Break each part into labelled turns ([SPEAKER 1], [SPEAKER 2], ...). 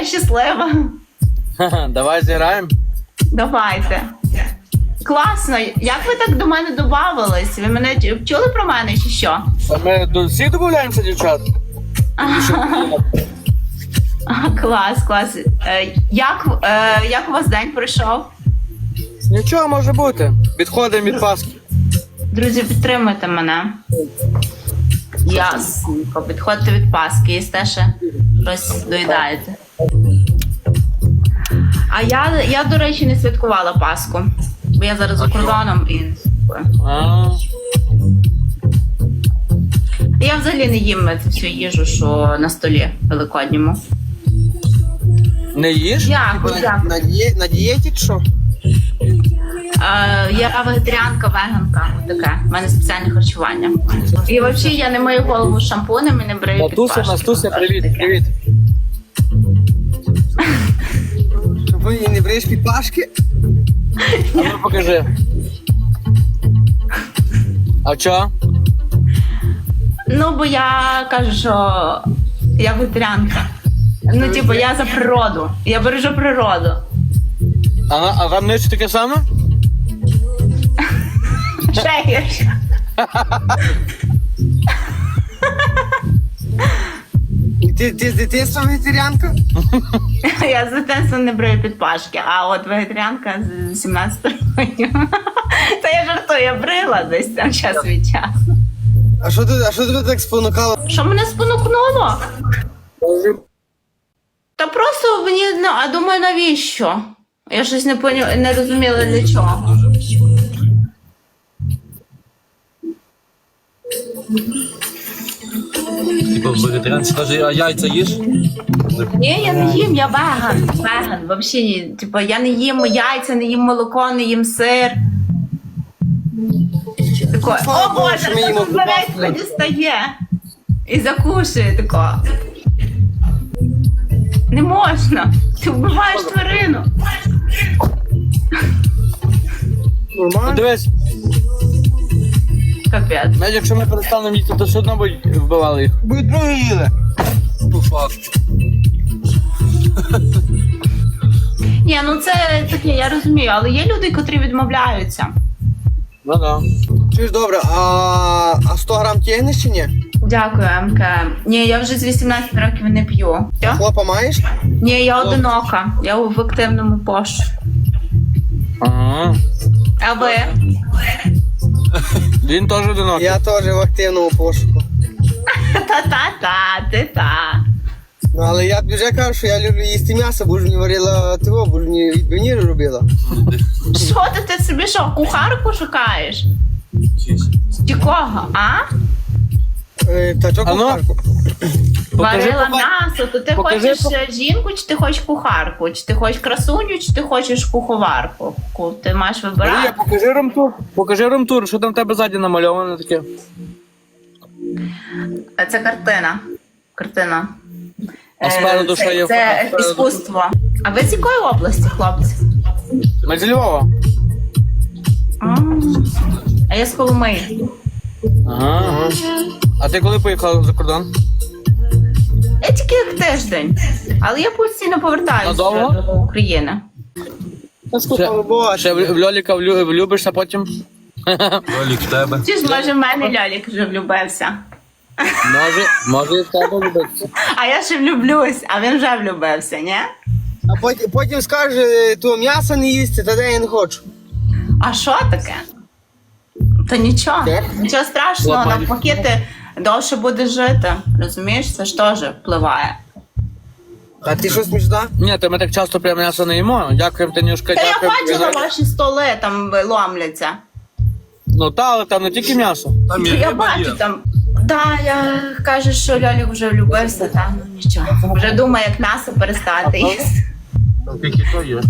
[SPEAKER 1] я щаслива.
[SPEAKER 2] Давай зіграємо.
[SPEAKER 1] Давайте. Класно. Як ви так до мене додавались? Ви мене чули про мене чи що?
[SPEAKER 2] А ми до всіх домовляємося, дівчат?
[SPEAKER 1] Клас. Як у вас день пройшов?
[SPEAKER 2] Нічого може бути. Відходимо від Пасхи.
[SPEAKER 1] Друзі, підтримуйте мене. Ясненько. Підходьте від Пасхи, їсте ще щось доїдаєте. А я, до речі, не святкувала Пасху. Бо я зараз за кордоном і не святкую. Я взагалі не їм цю всю їжу, що на столі великодньому.
[SPEAKER 2] Не їж?
[SPEAKER 1] Дякую.
[SPEAKER 3] На дієті чи що?
[SPEAKER 1] Я вегетаріанка, веганка. Таке. У мене спеціальне харчування. І взагалі я не мию голову шампунем і не брию підпашки.
[SPEAKER 2] Настуся, привіт.
[SPEAKER 3] Ви не бриєш підпашки?
[SPEAKER 2] А ну покажи. А чо?
[SPEAKER 1] Ну, бо я кажу, що я вегетаріанка. Ну, типу, я за природу. Я бережу природу.
[SPEAKER 2] А вам не таке саме?
[SPEAKER 1] Ще гірше.
[SPEAKER 3] Ти з дитинства вегетаріанка?
[SPEAKER 1] Я з дитинства не брию підпашки, а от вегетаріанка з 17 років. Та я жартую, я брила десь там час від часу.
[SPEAKER 3] А що тебе так спонукало?
[SPEAKER 1] Що мене спонукнуло? Та просто мені, а думаю, навіщо? Я щось не розуміла для чого.
[SPEAKER 4] Типа вегетаріанці каже, а яйця їш?
[SPEAKER 1] Ні, я не їм, я веган. Веган, взагалі. Типу, я не їм яйця, не їм молоко, не їм сир. Тако,
[SPEAKER 3] Слава
[SPEAKER 1] о
[SPEAKER 3] Богу,
[SPEAKER 1] Боже,
[SPEAKER 3] що ми їмо
[SPEAKER 1] тут Зарецька дістає. І закушує тако. Не можна. Ти вбиваєш тварину.
[SPEAKER 3] Нормально?
[SPEAKER 2] Дивись,
[SPEAKER 1] Капець.
[SPEAKER 2] навіть якщо ми перестанемо їсти, то все одно будуть вбивали їх.
[SPEAKER 3] Будуть другі їли.
[SPEAKER 4] По факту.
[SPEAKER 1] Ні, ну це таке, я розумію, але є люди, котрі відмовляються.
[SPEAKER 2] Ну да.
[SPEAKER 3] Чуєш, добре, а 100 грам тягнеш чи ні?
[SPEAKER 1] Дякую, МК. Ні, я вже з 18 років не п'ю. Що?
[SPEAKER 3] Хлопа маєш?
[SPEAKER 1] Ні, я одинока. Я в активному пошуку.
[SPEAKER 2] Ага.
[SPEAKER 1] А ви?
[SPEAKER 2] Він теж одинокий.
[SPEAKER 3] Я теж в активному пошуку.
[SPEAKER 1] Та-та-та, ти та.
[SPEAKER 3] Ну, але я тобі вже кажу, що я люблю їсти м'ясо, бо ж мені варила того, бо ж мені відбивні робила.
[SPEAKER 1] Що ти собі що, кухарку шукаєш? Чи кого, а?
[SPEAKER 3] Та чого
[SPEAKER 2] А ну?
[SPEAKER 3] кухарку?
[SPEAKER 1] Варила
[SPEAKER 2] попа-
[SPEAKER 1] м'ясо, то ти
[SPEAKER 2] покажи
[SPEAKER 1] хочеш жінку, чи ти хочеш кухарку? Чи ти хочеш красуню, чи ти хочеш куховарку? Ти маєш
[SPEAKER 2] Марія,
[SPEAKER 1] вибирати.
[SPEAKER 2] покажи румтур. Покажи румтур, що там в тебе ззаді намальовано таке.
[SPEAKER 1] Це картина. Картина.
[SPEAKER 2] А спереду що є?
[SPEAKER 1] Це
[SPEAKER 2] Спереду?
[SPEAKER 1] іскусство. А ви з якої області, хлопці?
[SPEAKER 2] Ми з Львова.
[SPEAKER 1] А я з Коломиї.
[SPEAKER 2] Ага. А ти коли поїхала за кордон?
[SPEAKER 1] Я тільки як тиждень, але я постійно повертаюся
[SPEAKER 2] Надовго?
[SPEAKER 1] до України.
[SPEAKER 3] Слава Богу.
[SPEAKER 2] Ще в Льоліка влюбишся потім?
[SPEAKER 4] Ролік в тебе.
[SPEAKER 1] Чи ж може в мене Льолік вже влюбився?
[SPEAKER 2] Може і в тебе влюбитися.
[SPEAKER 1] А я ще влюблюсь, а він вже влюбився, ні?
[SPEAKER 3] А потім скаже, то м'ясо не їсти, тоді я не хочу.
[SPEAKER 1] А що таке? Та нічого,
[SPEAKER 3] Так.
[SPEAKER 1] нічого страшного,
[SPEAKER 2] Лопатик.
[SPEAKER 1] навпаки ти довше будеш жити. Розумієш, це ж теж впливає.
[SPEAKER 3] А ти що смішна?
[SPEAKER 2] Ні, то ми так часто прям м'ясо не їмо. Дякуємо, Танюшка,
[SPEAKER 1] Та я
[SPEAKER 2] дякуємо.
[SPEAKER 1] бачила ваші столи, там ломляться.
[SPEAKER 2] Ну та, але там не тільки м'ясо.
[SPEAKER 4] Там є
[SPEAKER 1] Я
[SPEAKER 4] риба
[SPEAKER 1] бачу
[SPEAKER 4] є.
[SPEAKER 1] там. Да, я кажу, що Льолік вже влюбився, та ну нічого. Вже думає, як м'ясо перестати їсти.
[SPEAKER 4] Там тільки то є.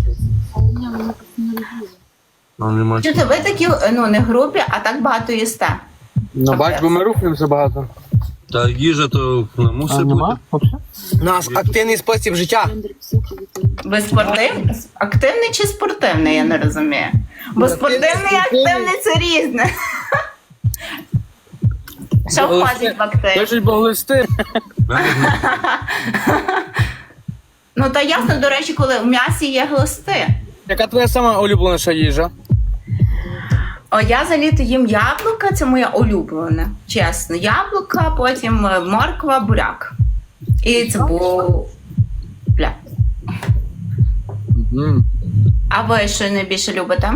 [SPEAKER 4] Там нема.
[SPEAKER 1] Чути, ви такі, ну, не грубі, а так багато їсте.
[SPEAKER 2] Ну бач, бо ми рухаємося багато.
[SPEAKER 4] Та їжа то не мусить бути.
[SPEAKER 3] У нас активний спосіб життя.
[SPEAKER 1] Ви спортивний? Активний чи спортивний, я не розумію. Бо спортивний і активний це різне. Що входить в актив?
[SPEAKER 2] Пишуть боглисти.
[SPEAKER 1] Ну Ну та ясно, до речі, коли в м'ясі є глисти.
[SPEAKER 2] Яка твоя сама улюбленіша їжа?
[SPEAKER 1] О, я за літо їм яблука, це моя улюблена. Чесно, яблука, потім морква, буряк. І цибуля. А ви що найбільше любите?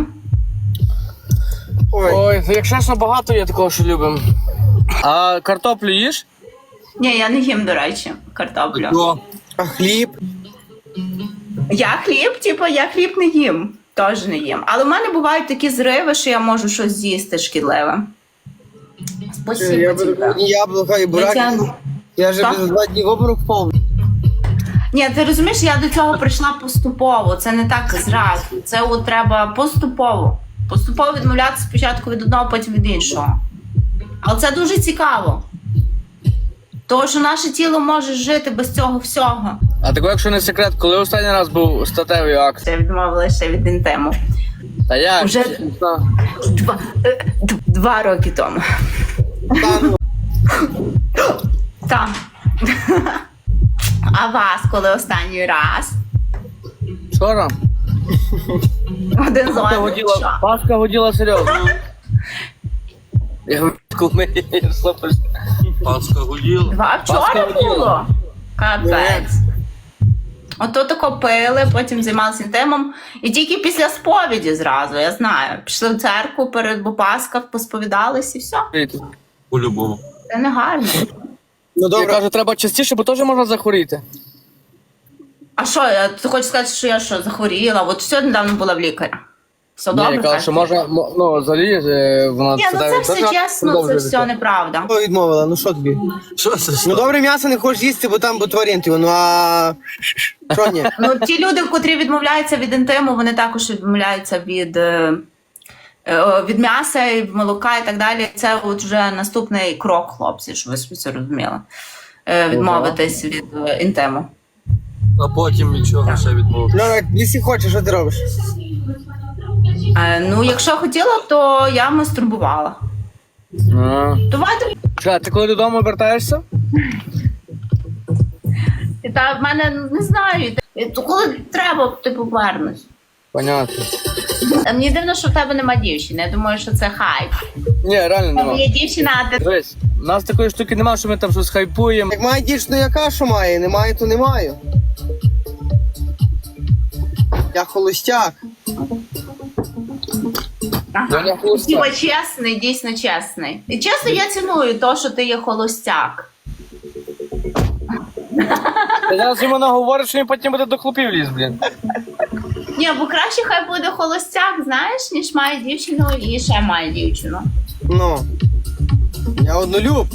[SPEAKER 3] Ой,
[SPEAKER 2] Ой, якщо чесно, багато є такого, що любимо. А картоплю їш?
[SPEAKER 1] Ні, я не їм, до речі, картоплю.
[SPEAKER 4] Що?
[SPEAKER 3] а хліб?
[SPEAKER 1] Я хліб не їм. Теж не їм. Але в мене бувають такі зриви, що я можу щось з'їсти шкідливе. Спасибо
[SPEAKER 3] Я
[SPEAKER 1] тебе.
[SPEAKER 3] беру одні яблука і буряки.
[SPEAKER 1] Тетяно.
[SPEAKER 3] Я вже
[SPEAKER 1] Так.
[SPEAKER 3] без 2 дні в обморок впав.
[SPEAKER 1] Ні, ти розумієш, я до цього прийшла поступово. Це не так зразу. Це от треба поступово. Поступово відмовлятися спочатку від одного, потім від іншого. Але це дуже цікаво. Тому що наше тіло може жити без цього всього.
[SPEAKER 2] А тако, якщо не секрет, коли останній раз був статевий акт?
[SPEAKER 1] Я відмовилася від інтиму.
[SPEAKER 2] Та як?
[SPEAKER 1] Вже 2 роки тому.
[SPEAKER 3] Та, ну,
[SPEAKER 1] Так. А вас коли останній раз?
[SPEAKER 2] Вчора?
[SPEAKER 1] Один з
[SPEAKER 2] Паска
[SPEAKER 1] одним?
[SPEAKER 2] годіла,
[SPEAKER 1] Що?
[SPEAKER 2] Паска годіла серйозно. Я кумирі, слухай.
[SPEAKER 4] Паска гуділа.
[SPEAKER 1] 2 вчора
[SPEAKER 2] Паска
[SPEAKER 1] було? Капець. Ото тако пили, потім займалися інтимом. І тільки після сповіді зразу, я знаю. Пішли в церкву бо Пасха, посповідались і все.
[SPEAKER 4] По-любому.
[SPEAKER 1] Це не гарно.
[SPEAKER 3] ну
[SPEAKER 2] Я
[SPEAKER 3] добре.
[SPEAKER 2] кажу, треба частіше, бо теж можна захворіти.
[SPEAKER 1] А що, ти хочеш сказати, що я що, захворіла? От все недавно була в лікаря. Все
[SPEAKER 2] Ні,
[SPEAKER 1] добре?
[SPEAKER 2] я кажу, що можна, ну, взагалі, вона
[SPEAKER 1] Ні, ну це все чесно, це все неправда.
[SPEAKER 3] Хто відмовила? Ну що тобі?
[SPEAKER 4] Що це?
[SPEAKER 3] Ну добре м'ясо не хочеш їсти, бо там тваринти. Ну а що ні?
[SPEAKER 1] Ну, ті люди, котрі відмовляються від інтиму, вони також відмовляються від м'яса, і молока і так далі. Це от вже наступний крок, хлопці, щоб ви собі це розуміли. Відмовитись від інтиму.
[SPEAKER 4] А потім від чого ще відмовився?
[SPEAKER 3] Ну, якщо хочеш, що ти робиш?
[SPEAKER 1] Ну, якщо хотіла, то я мастурбувала. Давайте.
[SPEAKER 2] Чекай, ти коли додому вертаєшся?
[SPEAKER 1] Та в мене не знаю. То коли треба, ти повернусь.
[SPEAKER 2] Понятно.
[SPEAKER 1] Мені дивно, що в тебе нема дівчини. Я думаю, що це хайп.
[SPEAKER 2] Ні, реально
[SPEAKER 1] У тебе
[SPEAKER 2] нема.
[SPEAKER 1] є дівчина, а ти
[SPEAKER 2] Дивись, у нас такої штуки немає, що ми там щось хайпуємо.
[SPEAKER 3] Як має дівчину, яка що має? Немає, то не маю. Я холостяк.
[SPEAKER 2] Доня холостяк.
[SPEAKER 1] Діва чесний, дійсно чесний. І чесно, я ціную те, що ти є холостяк.
[SPEAKER 2] Ти зараз йому наговориш, що він потім буде до хлопів ліз, блін.
[SPEAKER 1] Ні, бо краще хай буде холостяк, знаєш, ніж має дівчину і ще має дівчину.
[SPEAKER 3] Ну. Я однолюб.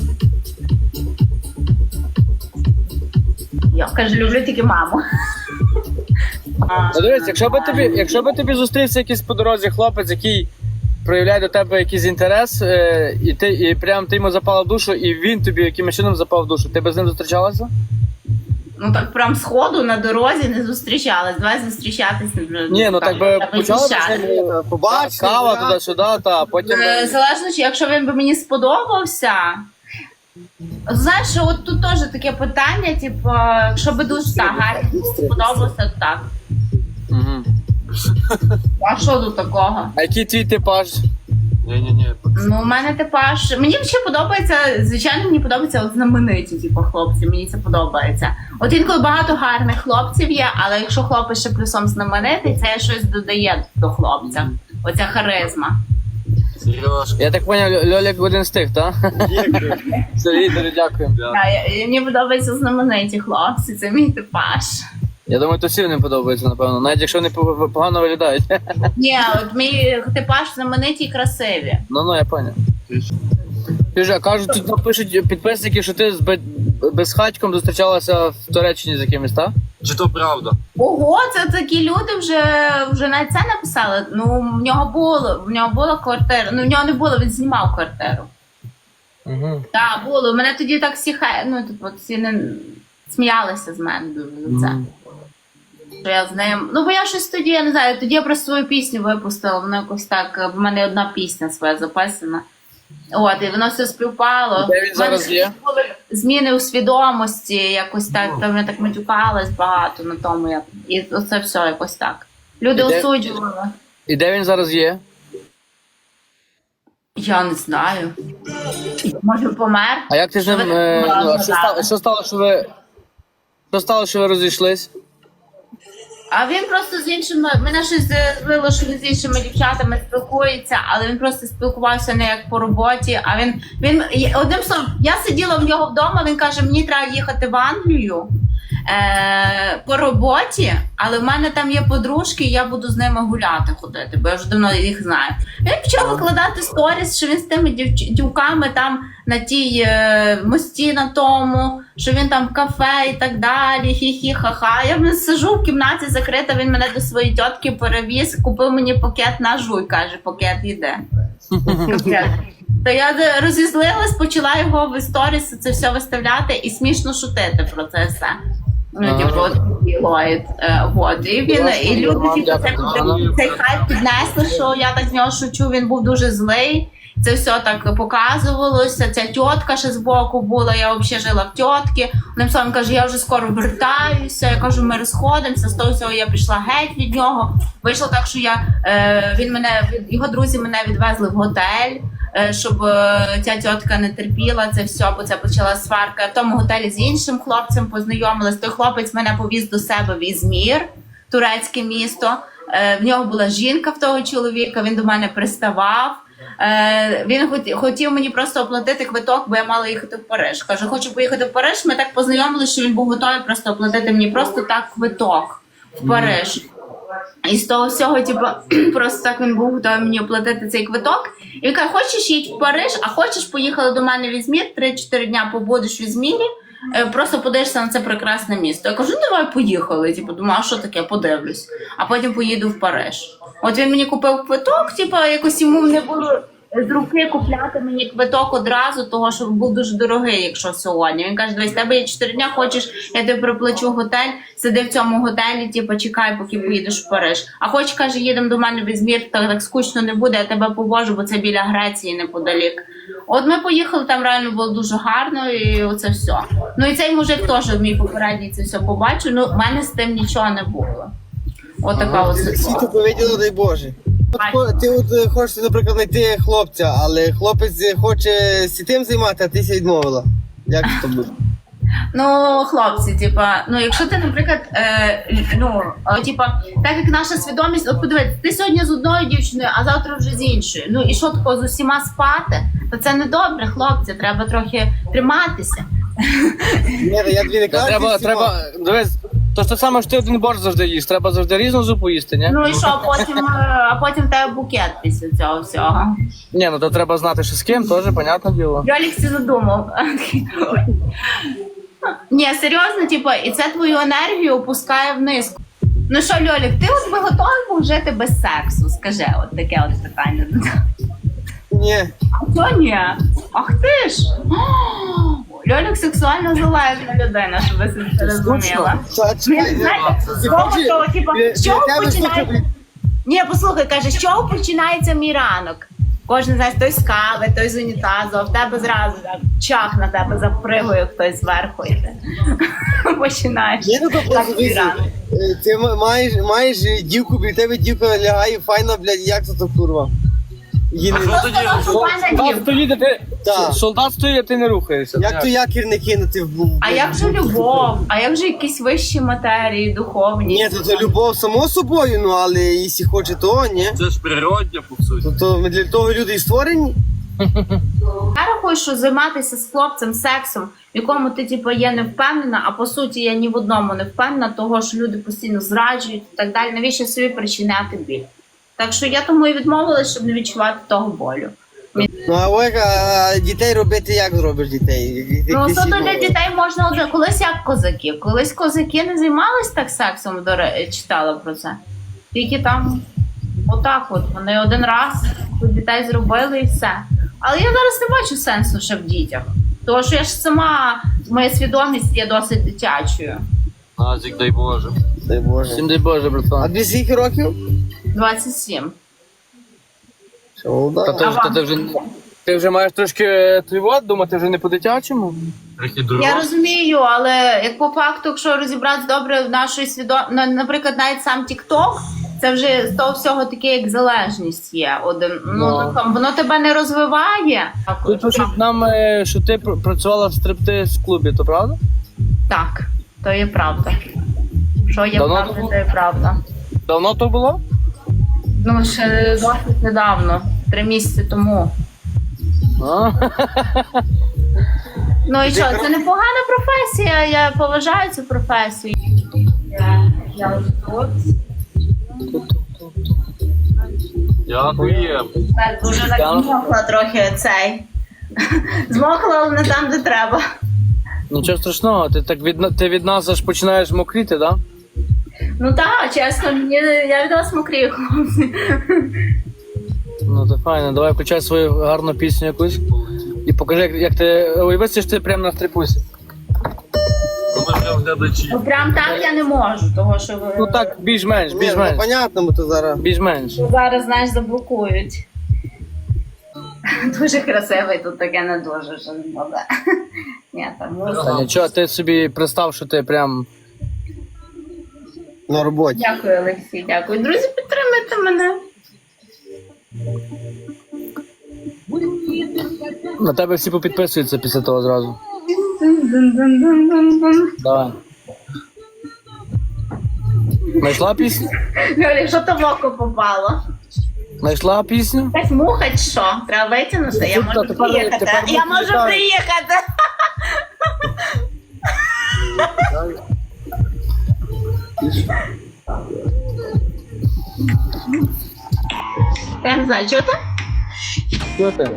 [SPEAKER 1] Я кажу, люблю тільки маму.
[SPEAKER 2] Ну, дивись, якщо би тобі зустрівся якийсь по дорозі хлопець, який проявляє до тебе якийсь інтерес, і прям ти йому запала в душу, і він тобі якимось чином запав в душу, ти би з ним зустрічалася?
[SPEAKER 1] Ну так прям сходу на дорозі не зустрічалась. Давай зустрічатись.
[SPEAKER 2] Ні, ну так би почала б з
[SPEAKER 1] вивчати.
[SPEAKER 2] ним
[SPEAKER 3] Побачиш.
[SPEAKER 2] кава туди-сюди, та потім...
[SPEAKER 1] Залежно, чи якщо він би мені сподобався. Знаєш, от тут теж таке питання, типу, якщо би дуже так гарно сподобався, то так.
[SPEAKER 2] Угу.
[SPEAKER 1] А що тут такого?
[SPEAKER 2] А який твій типаж?
[SPEAKER 4] Ні-ні-ні.
[SPEAKER 1] Ну, у мене типаж. Мені ще подобається, звичайно, мені подобаються от знамениті, типу, хлопці, мені це подобається. От інколи багато гарних хлопців є, але якщо хлопець ще плюсом знаменитий, це щось додає до хлопця. Оця харизма.
[SPEAKER 4] Сережка.
[SPEAKER 2] Я так поняв, Льолік один з тих, так? Сергій, дуже дякую.
[SPEAKER 1] Мені подобаються знамениті хлопці, це мій типаж.
[SPEAKER 2] Я думаю, то всім не подобається, напевно, навіть якщо вони погано виглядають.
[SPEAKER 1] Ні, от мій типаж знамениті і красиві.
[SPEAKER 2] Ну, я поняв. Піжа, кажуть, тут напишуть підписники, що ти з безхатьком зустрічалася в Туреччині з якимось, так?
[SPEAKER 4] Чи то правда?
[SPEAKER 1] Ого, це такі люди вже навіть це написали. Ну, в нього була квартира. Ну, в нього не було, він знімав квартиру.
[SPEAKER 2] Угу.
[SPEAKER 1] Так, було. Мене тоді так всі не сміялися з мене дуже за це. Що я з ним. Ну, бо я щось тоді, я не знаю, тоді я просто свою пісню випустила, воно якось так, в мене одна пісня своя записана. От, і воно все співпало.
[SPEAKER 2] Де він зараз є?
[SPEAKER 1] Були зміни у свідомості, якось так, там я так матюкалась багато на тому, як і оце все якось так. Люди
[SPEAKER 2] Де-
[SPEAKER 1] осуджували.
[SPEAKER 2] І де він зараз є?
[SPEAKER 1] Я не знаю. Може помер?
[SPEAKER 2] А як ти з ним,
[SPEAKER 1] Що ви так
[SPEAKER 2] ну, а що стало, що ви розійшлись?
[SPEAKER 1] А він просто з іншими, мене щось злило, що він з іншими дівчатами спілкується, але він просто спілкувався не як по роботі, а він одним словом, я сиділа в нього вдома, він каже, мені треба їхати в Англію по роботі, але в мене там є подружки, і я буду з ними гуляти ходити, бо я вже давно їх знаю. Він почав викладати сторіс, що він з тими дівками там на тій мості на тому, що він там в кафе і так далі, хі-хі, ха-ха. Я сижу в кімнаті закрита, він мене до своєї тітки перевіз, купив мені пакет на жуй, каже, пакет йде. То я розізлилась, почала його в сторіс це все виставляти і смішно шутити про це все. Ну, типу, от Ллойд. Вот. І він, і люди типу, цей хайп піднесли, що я так з нього шучу, він був дуже злий. Це все так показувалося. Ця тітка ще збоку була, я взагалі жила в тітки. Одним словом, каже, я вже скоро вертаюся. Я кажу, ми розходимося. З того всього я пішла геть від нього. Вийшло так, що його друзі мене відвезли в готель, щоб ця тітка не терпіла це все, бо це почала сварка. В тому готелі з іншим хлопцем познайомилась. Той хлопець мене повіз до себе в Ізмір, турецьке місто. В нього була жінка в того чоловіка, він до мене приставав. Він хотів мені просто оплатити квиток, бо я мала їхати в Париж. Кажу, хочу поїхати в Париж. Ми так познайомилися, що він був готовий просто оплатити мені просто так квиток в Париж. І з того всього, типу, просто так він був готовий мені оплатити цей квиток. І він каже, хочеш їдь в Париж, а хочеш поїхали до мене в Ізмір, 3-4 дня побудеш в Ізмірі, просто подивишся на це прекрасне місто. Я кажу, ну давай поїхали. Типу, думаю, а що таке, подивлюсь. А потім поїду в Париж. От він мені купив квиток, типу, якось йому не було з руки купляти мені квиток одразу, того, що був дуже дорогий, якщо сьогодні. Він каже, дивись, тебе є 4 дня, хочеш, я тобі приплачу готель, сиди в цьому готелі, типу, чекай, поки поїдеш в Париж. А хоч, каже, їдемо до мене в Ізмір, так скучно не буде, я тебе повожу, бо це біля Греції неподалік. От ми поїхали, там реально було дуже гарно, і оце все. Ну і цей мужик теж, мій попередній, це все побачив, ну в мене з тим нічого не було. От така от
[SPEAKER 3] Всі
[SPEAKER 1] ситуація.
[SPEAKER 3] то повиділи, дай Боже. Ти от хочеш, наприклад, знайти хлопця, але хлопець хоче з тим займати, а ти ся відмовила. Як це буде?
[SPEAKER 1] Ну, хлопці, типа, ну якщо ти, наприклад, так як наша свідомість, от подивись, ти сьогодні з одною дівчиною, а завтра вже з іншою. Ну і що такого з усіма спати? То це не добре, хлопці, треба трохи триматися.
[SPEAKER 3] Ні, я тобі не кажу.
[SPEAKER 2] Треба, дивись, то ж те саме, що ти один борщ завжди їш, треба завжди різну зупу їсти, ні?
[SPEAKER 1] Ну і що, а потім в тебе букет після цього всього.
[SPEAKER 2] Ні, ну то треба знати, що з ким, теж, понятне діло.
[SPEAKER 1] Льолік всі задумав. Ні, серйозно, типу, і це твою енергію опускає вниз. Ну що, Льолік, ти от би готовий був жити без сексу? Скажи, от таке от питання.
[SPEAKER 3] Ні.
[SPEAKER 1] А що ні? Ах ти ж! Льолік сексуально залежна людина, щоб ви це розуміла. З чого починається? Ні, послухай, каже, з чого починається мій ранок? Кожен, знаєш, той з кави, той з унітазу, а в тебе зразу так, чах на тебе запригує хтось зверху і ти починаєш.
[SPEAKER 3] Ні, ну то
[SPEAKER 1] Так,
[SPEAKER 3] просто
[SPEAKER 1] твій ранок.
[SPEAKER 3] ти маєш дівку, біля тебе дівка лягає, файна, блядь, як це то курва? Її не-
[SPEAKER 4] Що тоді?
[SPEAKER 2] Солдат стоїть, а ти,
[SPEAKER 3] Так.
[SPEAKER 2] солдат стоїть, а ти не рухаєшся.
[SPEAKER 3] Як то якір не кинути в
[SPEAKER 1] А як же любов? А як же якісь вищі матерії, духовні?
[SPEAKER 3] Ні, то любов само собою, ну але якщо хоче, то ні.
[SPEAKER 4] Це ж природня, по суті.
[SPEAKER 3] То ми для того люди і створені.
[SPEAKER 1] Я рахую, що займатися з хлопцем сексом, в якому ти типу, є не впевнена, а по суті я ні в одному не впевнена, того що люди постійно зраджують і так далі. Навіщо собі причиняти біль? Так що я тому і відмовилась, щоб не відчувати того болю.
[SPEAKER 3] Ну а Ольга, дітей робити як зробиш дітей?
[SPEAKER 1] Ну,
[SPEAKER 3] Якісь
[SPEAKER 1] суто для
[SPEAKER 3] відмови.
[SPEAKER 1] дітей можна одне. Колись як козаки. Колись козаки не займались так сексом, читала про це. Тільки там отак от. Вони один раз дітей зробили і все. Але я зараз не бачу сенсу ще в дітях. Тому що я ж сама, моя свідомість є досить дитячою.
[SPEAKER 4] Назік, дай Боже.
[SPEAKER 3] Дай Боже.
[SPEAKER 2] Всім дай Боже,
[SPEAKER 3] А
[SPEAKER 2] братан.
[SPEAKER 3] тобі скільки років?
[SPEAKER 1] 27.
[SPEAKER 3] Молода.
[SPEAKER 2] Та ти вже, ти вже маєш трошки думати вже не по-дитячому.
[SPEAKER 4] Трохи
[SPEAKER 1] Я
[SPEAKER 4] дорога.
[SPEAKER 1] розумію, але як по факту, якщо розібратися добре в нашої наприклад, навіть сам TikTok, це вже з того всього таке, як залежність є. Воно тебе не розвиває.
[SPEAKER 2] Тут пишуть нам, що ти працювала в стриптиз-клубі, то правда?
[SPEAKER 1] Так, то є правда. Що є
[SPEAKER 2] Давно
[SPEAKER 1] правда,
[SPEAKER 2] було?
[SPEAKER 1] то є правда.
[SPEAKER 2] Давно то було?
[SPEAKER 1] Ну, ще досить недавно, 3 місяці тому.
[SPEAKER 2] А?
[SPEAKER 1] Ну і що, це непогана професія, я поважаю цю професію. Я ось тут.
[SPEAKER 4] Дякую.
[SPEAKER 1] Так, дуже так змокла трохи цей. Змокла, але не там, де треба.
[SPEAKER 2] Нічого страшного, ти від нас аж починаєш мокріти, так? Да?
[SPEAKER 1] Ну так, чесно, я від вас мокрію, хлопці.
[SPEAKER 2] Ну то файно, давай включай свою гарну пісню якусь і покажи, як ти. Ой, висиш ти прямо на стрипусі.
[SPEAKER 4] Воно вже глядачі.
[SPEAKER 1] Ну прям так я не можу, того що ви
[SPEAKER 2] Ну так, більш-менш,
[SPEAKER 3] Ні, ну
[SPEAKER 2] більш-менш.
[SPEAKER 3] понятно, бо то зараз.
[SPEAKER 2] Більш-менш.
[SPEAKER 1] зараз, знаєш, заблокують. Дуже красивий, тут таке не дуже, що не буде. Ні, там
[SPEAKER 2] Та нічого, ти собі представ, що ти прям.
[SPEAKER 3] На роботі.
[SPEAKER 1] Дякую, Олексій, дякую. Друзі, підтримайте мене.
[SPEAKER 2] На тебе всі попідписуються після того зразу. Давай. Знайшла пісню?
[SPEAKER 1] Льолі, що то в око попало?
[SPEAKER 2] Знайшла пісню?
[SPEAKER 1] Так муха чи що? Треба витягнути, я можу
[SPEAKER 2] Тепер-
[SPEAKER 1] приїхати.
[SPEAKER 2] тепер
[SPEAKER 1] Я можу
[SPEAKER 2] виключаю.
[SPEAKER 1] приїхати. Я не знаю, чого ти?
[SPEAKER 2] Що ти?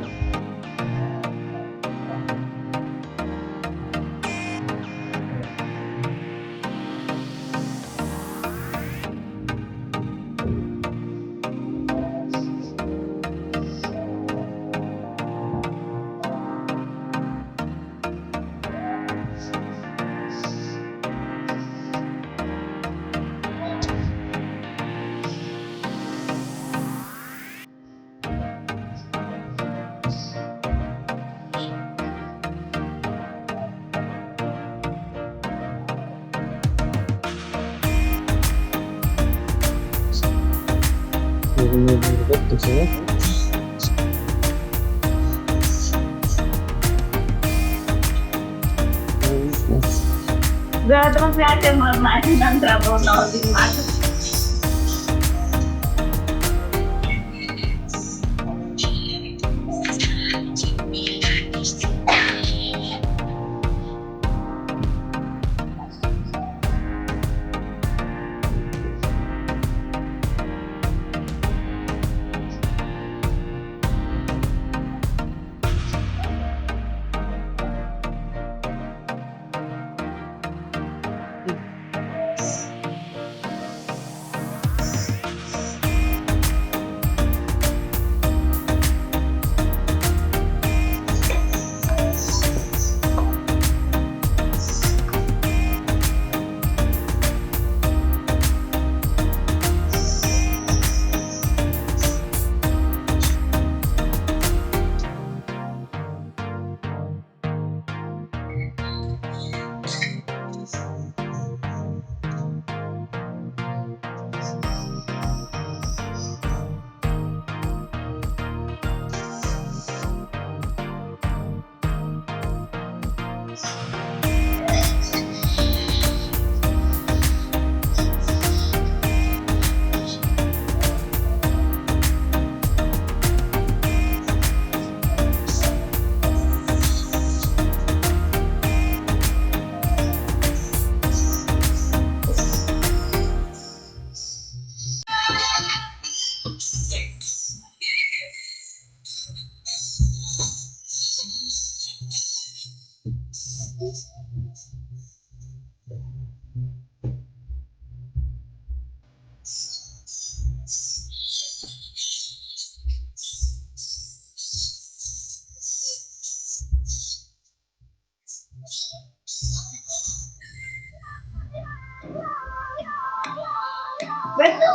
[SPEAKER 1] До трансляції можна, нам треба одного знімати.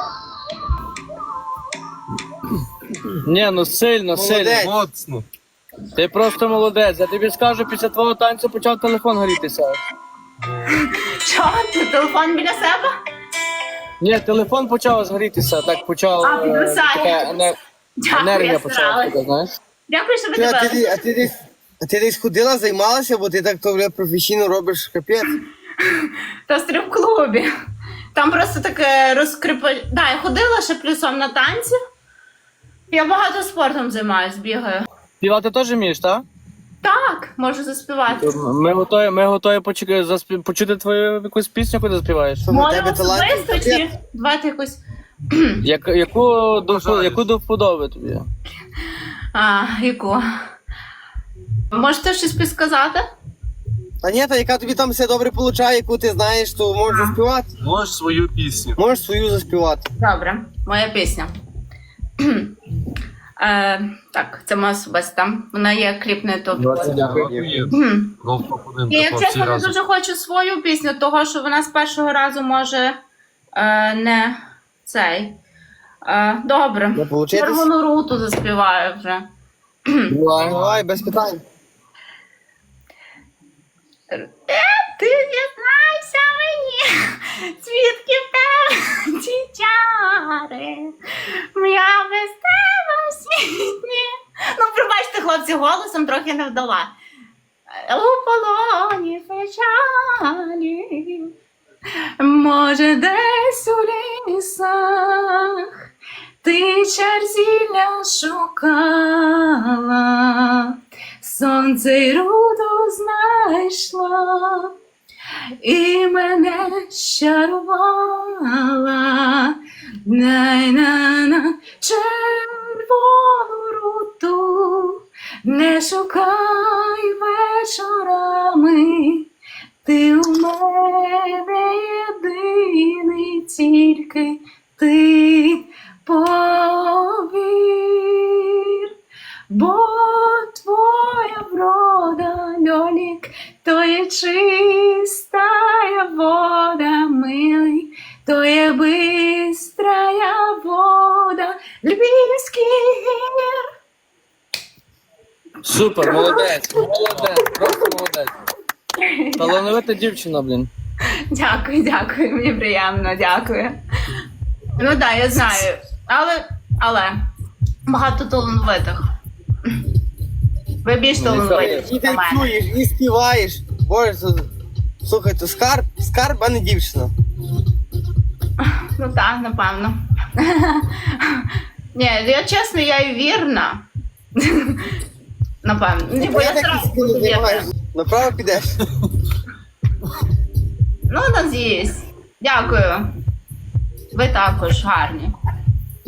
[SPEAKER 2] Ні, ну сильно, сильно.
[SPEAKER 3] Молодець.
[SPEAKER 4] Моцно.
[SPEAKER 2] Ти просто молодець. Я тобі скажу, після твого танцю почав телефон горітися.
[SPEAKER 1] Що? Ти телефон біля себе?
[SPEAKER 2] Ні, телефон почав згорітися, так почав.
[SPEAKER 1] А, підвисає.
[SPEAKER 2] Така
[SPEAKER 1] Дякую,
[SPEAKER 2] енергія
[SPEAKER 1] я
[SPEAKER 2] почала,
[SPEAKER 1] старалась.
[SPEAKER 2] туди, знаєш.
[SPEAKER 1] Дякую, що ви
[SPEAKER 3] Ти, а,
[SPEAKER 1] дивилися.
[SPEAKER 3] ти десь ходила, займалася, бо ти так то бля, професійно робиш капець.
[SPEAKER 1] Та в стрип-клубі. Там просто таке розкрипа... Да, я ходила ще плюсом на танці. Я багато спортом займаюсь, бігаю.
[SPEAKER 2] Співати теж вмієш, так?
[SPEAKER 1] Так, можу заспівати.
[SPEAKER 2] Ми готові почути твою якусь пісню, коли заспіваєш.
[SPEAKER 3] Що, в
[SPEAKER 1] Може
[SPEAKER 3] тебе талант?
[SPEAKER 1] особисто чи давайте якусь.
[SPEAKER 2] Яку до вподоби тобі?
[SPEAKER 1] Яку? Можете щось підсказати?
[SPEAKER 3] А ні, та яка тобі там все добре получає, яку ти знаєш, то можеш заспівати.
[SPEAKER 4] Можеш свою пісню.
[SPEAKER 3] Можеш свою заспівати.
[SPEAKER 1] Добре, моя пісня. Так, це моя особиста. Вона є кліп на ютубі.
[SPEAKER 2] Дякую.
[SPEAKER 4] Гол топ-1
[SPEAKER 1] Я,
[SPEAKER 4] для
[SPEAKER 1] чесно, не
[SPEAKER 4] разом.
[SPEAKER 1] дуже хочу свою пісню, того що вона з першого разу може не цей. Добре.
[SPEAKER 3] Не получитись?
[SPEAKER 1] Червону руту заспіваю вже.
[SPEAKER 3] Давай, без питань.
[SPEAKER 1] Ти дізнайся мені, звідки в тебе ці чари. Я без тебе в світі. Ну, пробачте, хлопці, голосом трохи не вдала. У полоні печалі, може, десь у лісах ти черзілля шукала, сонце й руду знайшла і мене щарувала. Най-на-на червону руту не шукай вечорами, ти у мене єдиний, тільки ти повір, бо твоя врода, льолік, то є чистая вода, милий, то є бистрая вода львівських гір.
[SPEAKER 2] Супер, молодець, просто молодець. Талановита дівчина, блін.
[SPEAKER 1] Дякую, мені приємно, дякую. Ну так, я знаю, але багато талановитих. Ви більш талановиті,
[SPEAKER 3] І
[SPEAKER 1] ніж на мене.
[SPEAKER 3] танцюєш, і співаєш. Боже, слухай, то скарб, а не дівчина.
[SPEAKER 1] Ну так, напевно. Ні, я чесно, я і вірна. Напевно. Ні, бо я
[SPEAKER 3] так
[SPEAKER 1] зразу
[SPEAKER 3] і
[SPEAKER 1] буду
[SPEAKER 3] не
[SPEAKER 1] вірна.
[SPEAKER 3] займаєш. Направо підеш.
[SPEAKER 1] Ну, надіюсь. Дякую. Ви також гарні.